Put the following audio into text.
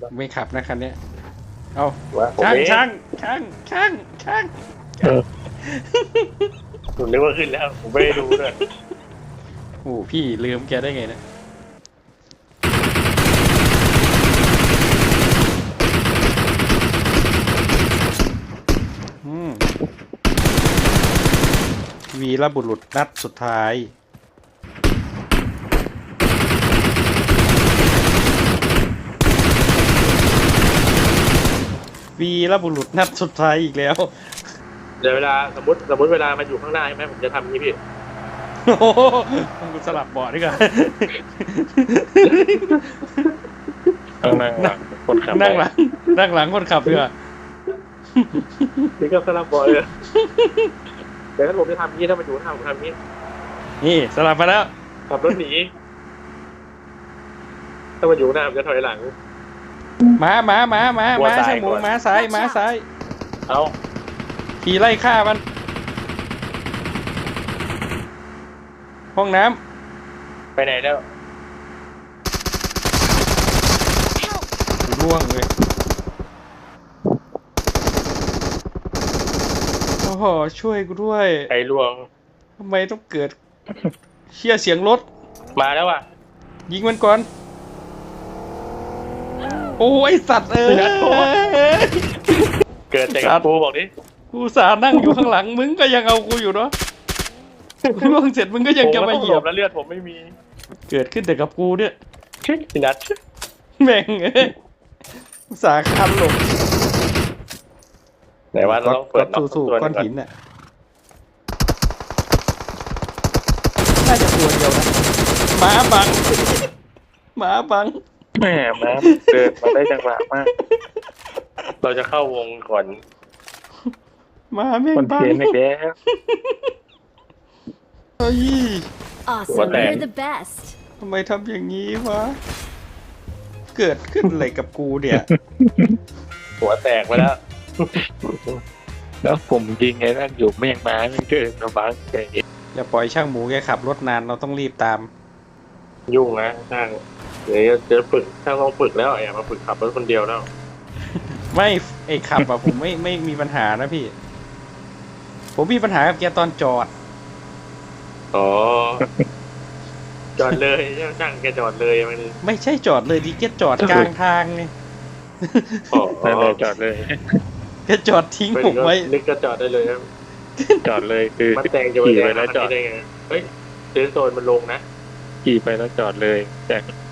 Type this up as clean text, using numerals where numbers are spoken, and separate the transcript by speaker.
Speaker 1: ไม่ขับนะคันเนี้ยเอา
Speaker 2: ว่าผม
Speaker 1: ช่าง
Speaker 2: เอง
Speaker 1: ช่าง
Speaker 2: ผมนึกว่าขึ้นแล้วผมไม่ได้ดูด้วย
Speaker 1: โอ้พี่ลืมแกได้ไงนะวีรบุรุษนัดสุดท้ายวีรบุรุษนัดสุดท้ายอีกแล้ว
Speaker 2: เดี๋ยวเวลาสมมติเวลามันอยู่ข้างหน้าใช่ไหมผมจะทำอย่างนี้พี่
Speaker 1: โอ้โหกูสลับเบาะดีกว่า
Speaker 3: นั่งหลังคนขับ
Speaker 1: นั่งหลังคนขับดีกว่า
Speaker 2: นี่ก็สลับบอยเลยเดี๋ยวถ้าผมจะทำอย่างนี้ถ้ามันอยู่ข้างหน้าผมทำอย่างนี้
Speaker 1: นี่สลับมาแล้ว
Speaker 2: ขับรถหนีถ้ามันอยู่ข้างหน้าผมจะถอยหลัง
Speaker 1: มา
Speaker 2: หัวซ้าย
Speaker 1: ช่างหมู
Speaker 2: ก่อน
Speaker 1: มาซ้าย
Speaker 2: เอา
Speaker 1: ขี่ไล่ฆ่ามัน ห้องน้
Speaker 2: ไปไหนแล้ว
Speaker 1: ำร่วงเลยโอ้โหช่วยกูด้วย
Speaker 2: ไอ้ลวง
Speaker 1: ทำไมต้องเกิดเชี่ยเสียงรถ
Speaker 2: มาแล้วว่ะ
Speaker 1: ยิงมันก่อน โอ้ยสัตว์เอ้ย
Speaker 2: เกิดแต่กับกูบอกดิ
Speaker 1: กูสานั่งอยู่ข้างหลังมึงก็ยังเอากูอยู่เนาะกูล่วงเสร็จมึงก็ยังจะมาเหยียบ
Speaker 2: แล้วเลือดผมไม่มี
Speaker 1: เกิดขึ้นแต่กับกูเนี่ย
Speaker 2: พี่นัท
Speaker 1: แม่งเอ้ยอุตสาห์คันหลบ
Speaker 2: ไหนว่าเราต้องเปิด
Speaker 1: สู้ก้อนหินน่ะน่าจะตัวเดียวนะหมาบัง
Speaker 3: แหม่มาเดินมาได้จังหวะมาก
Speaker 2: เราจะเข้าวงก่อน
Speaker 1: หมาแม่ง
Speaker 3: คน
Speaker 1: บั
Speaker 3: เที
Speaker 1: ง
Speaker 3: ยนอีกแล้ว
Speaker 1: เฮ้ย
Speaker 4: Awesome, you're the best.
Speaker 1: ทำไมทำอย่างนี้วะเกิดขึ้นอะไรกับกูเนี่ย
Speaker 2: หัวแตกไปแล้ว
Speaker 3: แล้วผมยิงไอ้นั่นอยู่แม่งมาไม่เดินมาบังใจเย็น
Speaker 1: อย่าปล่อยช่างหมูแกขับรถนานเราต้องรีบตาม
Speaker 2: ยุ่งนะช่างเดี๋ยวจะฝึกช่างต้องฝึกแล้วอย่ามาฝึกขับรถคนเดียวแล้ว
Speaker 1: ไม่ไอ้ขับอะ ผมไม่มีปัญหานะพี่ ผมมีปัญหากับแกตอนจอด
Speaker 2: อ๋อ จอดเลยช่างแกจอดเลยมัน
Speaker 1: ไม่ใช่จอดเลยดิแกจอดกลางทางไง
Speaker 2: อ๋อ
Speaker 3: นั่นเลยจอดเลย
Speaker 1: แกจอดทิ้งผมไว้
Speaker 2: นึกจะจอดได้เลยครับ
Speaker 3: จอดเลยคือ
Speaker 2: มันแตงจะไป
Speaker 3: ขี่
Speaker 2: แด
Speaker 3: ไป
Speaker 2: ง
Speaker 3: แล้วจอด
Speaker 2: ได้ไงเฮ้ยเซนโซนมันลงนะ
Speaker 3: ขี่ไปแล้วจอดเลยแต่